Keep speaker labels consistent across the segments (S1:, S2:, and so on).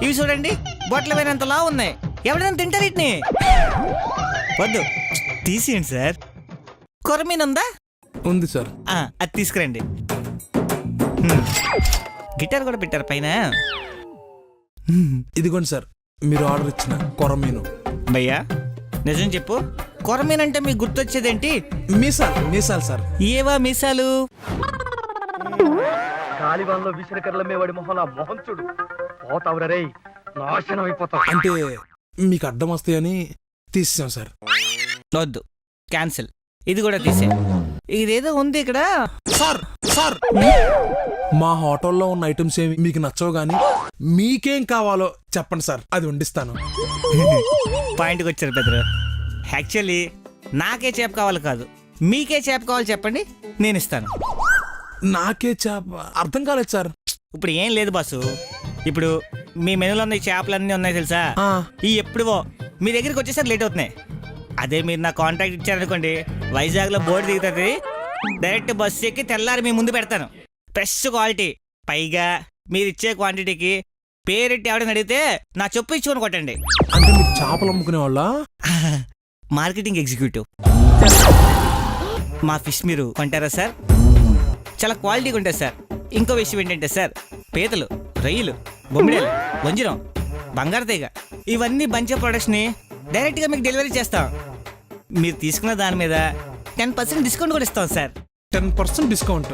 S1: ఇవి చూడండి, బొట్ల వేరేంతలా ఉన్నాయి. ఎవరైనా తింటారు వీటిని? వద్దు, తీసేయండి సార్. కొరమీన్ ఉందా?
S2: ఉంది సార్.
S1: అది తీసుకురండి. గిటార్ కూడా పెట్టారు పైన.
S2: ఇదిగోండి సార్, మీరు ఆర్డర్ ఇచ్చిన కొరమీను.
S1: భయ్యా నిజం చెప్పు, కొరమీన్ అంటే మీకు గుర్తొచ్చేదేంటి?
S2: మీసాలు సార్.
S1: ఏవా మీసాలు?
S3: గాలివాన్లో విసిరికర్లమే వాడి మొహం ఆ మొహం చూడు. పోతావురా రేయ్, నాశనం అయిపోతావు.
S2: అంటే మీకు అడ్డం వస్తాయని తీసేసాం సార్.
S1: వద్దు, క్యాన్సిల్. ఇది కూడా తీసే. ఇదేదో ఉంది ఇక్కడ.
S2: సార్ సార్, మా హోటల్లో ఉన్న ఐటమ్స్ ఏమి మీకు నచ్చవు గానీ మీకేం కావాలో చెప్పండి సార్, అది వండిస్తాను.
S1: పాయింట్కి వచ్చారు పెద్దరు. యాక్చువల్లీ నాకే చేప కావాలి కాదు, మీకే చేప కావాలి చెప్పండి, నేను ఇస్తాను.
S2: నాకే చేప? అర్థం కాలేదు సార్.
S1: ఇప్పుడు ఏం లేదు బాసు. ఇప్పుడు మీ మెనూలో ఉన్న చేపలన్నీ ఉన్నాయి తెలుసా? ఈ ఎప్పుడువో మీ దగ్గరికి వచ్చేసరికి లేట్ అవుతున్నాయి. అదే మీరు నా కాంటాక్ట్ ఇచ్చారనుకోండి, వైజాగ్లో బోర్డు దిగుతుంది, డైరెక్ట్ బస్సు ఎక్కి తెల్లారి మీ ముందు పెడతాను. ఫ్రెష్ క్వాలిటీ, పైగా మీరు ఇచ్చే క్వాంటిటీకి పేరెట్టి ఎవడని అడిగితే నా చెప్పు ఇచ్చుకొని కొట్టండి.
S2: అంటే మీరు చేపలు అమ్ముకునే వాళ్ళ?
S1: Marketing executive. మా ఫిష్ మీరు కొంటారా సార్? చాలా క్వాలిటీగా ఉంటుంది సార్. ఇంకో విషయం ఏంటంటే సార్, పీతలు, రొయ్యలు, బొమ్మిడేలు, వంజరం, బంగారు తీగ, ఇవన్నీ బంచ్ ప్రొడక్ట్స్ని డైరెక్ట్గా మీకు డెలివరీ చేస్తాం. మీరు తీసుకున్న దాని మీద 10% డిస్కౌంట్ కూడా ఇస్తాం సార్.
S2: 10% డిస్కౌంట్?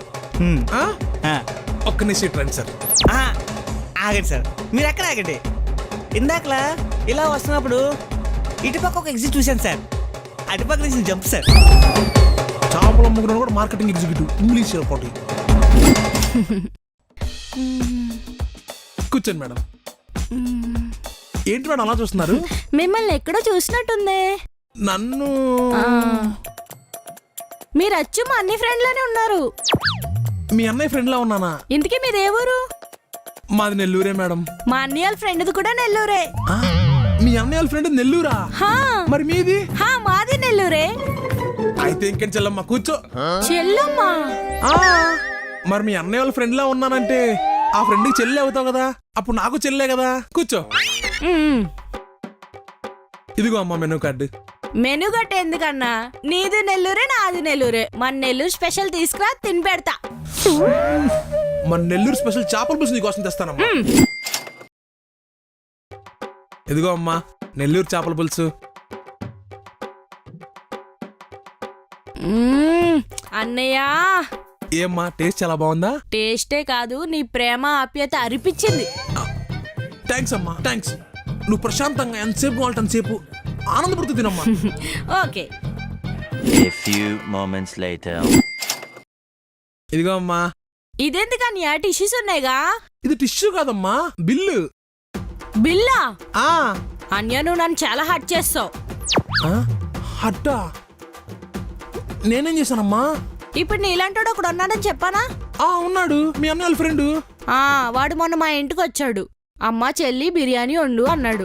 S2: ఒక్క నిమిషం రండి సార్.
S1: ఆగండి సార్, మీరు ఎక్కడ ఆగండి. ఇందాకలా ఇలా వస్తున్నప్పుడు ఇటుపక్క ఒక ఎగ్జిట్ చూశాను సార్, అటుపక్క నుంచి జంప్ సార్.
S2: చేపలు అమ్ముకున్న కూడా మార్కెటింగ్ ఎగ్జిక్యూటివ్, ఇంగ్లీష్ పోటీ. కూర్చోండి మేడం. ఏంటి మేడం అలా చూస్తున్నారు?
S4: మిమ్మల్ని ఎక్కడో చూసినట్టుందే.
S2: నన్ను?
S4: మీరు అచ్చు మా అన్ని ఫ్రెండ్ లోనే ఉన్నారు.
S2: మీ అన్నయ్య ఫ్రెండ్ లా ఉన్నానా?
S4: ఇంతకీ మీదే ఊరు?
S2: మాది నెల్లూరే మేడం.
S4: మా అన్నయ్య ఫ్రెండ్ది కూడా నెల్లూరే.
S2: మీ అన్నయ్య ఫ్రెండ్ నెల్లూరా? మరి మీది?
S4: మాది నెల్లూరే.
S2: అయితే ఇంకేం చెల్లమ్మ, కూర్చో.
S4: చెల్లమ్మా?
S2: మరి మీ అన్నయ్య వాళ్ళ ఫ్రెండ్ లా ఉన్నానంటే ఆ ఫ్రెండ్కి చెల్లి అవుతావు కదా, అప్పుడు నాకు చెల్లే కదా. కూర్చో. ఇదిగో అమ్మా మెనూ కార్డు.
S4: మెనూ గట్ట ఎందుకన్నా? నీది నెల్లూరే, నాది నెల్లూరే. మన నెల్లూరు స్పెషల్ తీసుకురా, తిని పెడతా.
S2: మన నెల్లూరు స్పెషల్ చేపల పులుసు నీకోసం తెస్తానమ్మా. ఇదిగో అమ్మా నెల్లూరు చేపల పులుసు.
S4: అన్నయ్య,
S2: ఏమ్మా టేస్ట్ చాలా బాగుందా?
S4: టేస్టే కాదు, నీ ప్రేమ ఆప్యాయత అరిపించింది.
S2: థ్యాంక్స్ అమ్మా, థ్యాంక్స్. నువ్వు ప్రశాంతంగా ఎంతసేపు కావాలంటే అంతసేపు ఆనందపడుతూ తినమ్మా.
S4: Okay.
S5: A few moments later.
S2: ఇదిగో అమ్మా.
S4: ఇదెందుకన్నయ్య? టిష్యూస్ ఉన్నాయిగా.
S2: ఇది టిష్యూ కాదమ్మా, బిల్లు.
S4: బిల్లా?
S2: ఆ
S4: అన్య, నువ్వు నన్ను చాలా హర్ట్ చేస్తావు.
S2: హట్టా? నేనేం చేశానమ్మా?
S4: ఇప్పుడు నీలాంటోడు ఒకడు ఉన్నాడని చెప్పానా?
S2: ఉన్నాడు, మీ అన్న వాళ్ళ ఫ్రెండ్.
S4: వాడు మొన్న మా ఇంటికి వచ్చాడు. అమ్మ చెల్లి బిర్యానీ వండు అన్నాడు.